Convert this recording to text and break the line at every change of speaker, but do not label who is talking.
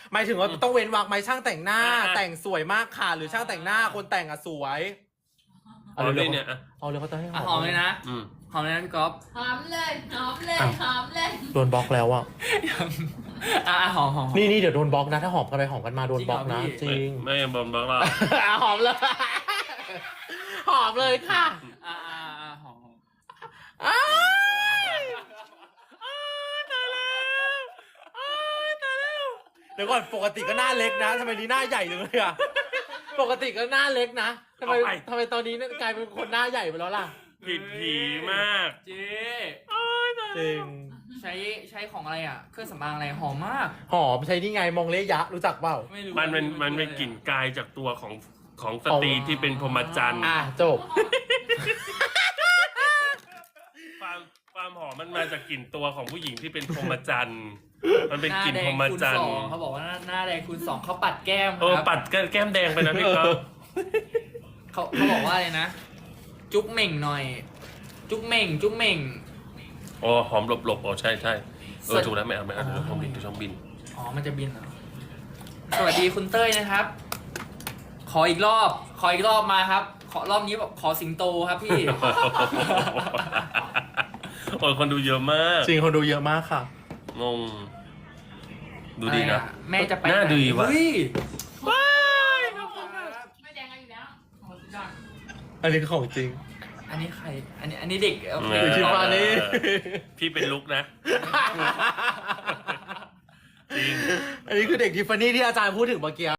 หมายถึงว่าต้องเว้นวรรคไหมช่างแต่งหน้าแต่งสวยมากค่ะหรือช่างแต่งหน้าคนแต่งสวย
เอาเลยเนี่ย
เอาเลยเขาจะให้
หอมเลยนะหอมเลยนะพี่ก๊อฟ
หอมเลยหอมเลยหอมเลย
โดนบล็อกแล้วอ่ะ
หอม
นี่เดี๋ยวโดนบล็อกนะถ้าหอมกันไปหอมกันมาโดนบล็อกนะจริง
ไม่โดนบล็อกหรอก
หอมเลยหอมเลยค่ะ
หอม
เดี๋ยวก่อนปกติก็หน้าเล็กนะทำไมนี้หน้าใหญ่เลยอ่ะปกติก็หน้าเล็กนะทำไมตอนนี้กลายเป็นคนหน้าใหญ่ไปแล้วล่ะ
ผิดผีมาก
เจ๊
จริง
ใช้ของอะไรอ่ะเครื่องสำอางอะไรหอมมาก
หอมใช้นี่ไงมองเลยะรู้จักเปล่า
มันเป็นกลิ่นกายจากตัวของสตรีที่เป็นพรหมจรรย์
จบ
ความหอมมันมาจากกลิ่นตัวของผู้หญิงที่เป็นพรหมจรรย์มันเป็นกลิ่นพรหมจรรย์
เขาบอกว่าหน้าแดงคูณ 2เขาปัดแก้ม
ปัดแก้มแดงไปนะพี่ก๊อฟ
เขาบอกว่าอะไรนะจุ๊กเหม่งหน่อยจุ๊กเหม่ง
อ๋อหอมหลบใช่ถูกแล้วไม่เอาช่องบิน
มันจะบินเหรอสวัสดีคุณเต้ยนะครับขออีกรอบมาครับรอบนี้แบบขอสิงโตครับพี่
โอ้ยคนดูเยอะมาก
จริงคนดูเยอะมากค่ะ
งงดูดีนะ
แม่จะไป
หน้าดีวะ
ว้ายไม่แดงกันอยู่แล้ว
อันนี้คือของจริง
อันนี้ใครอันนี้เด็กโอเค
ทิฟฟานี่
พี่เป็นลุกนะจริง
อันนี้คือเด็กทิฟฟานี่ที่อาจารย์พูดถึงเมื่อกี้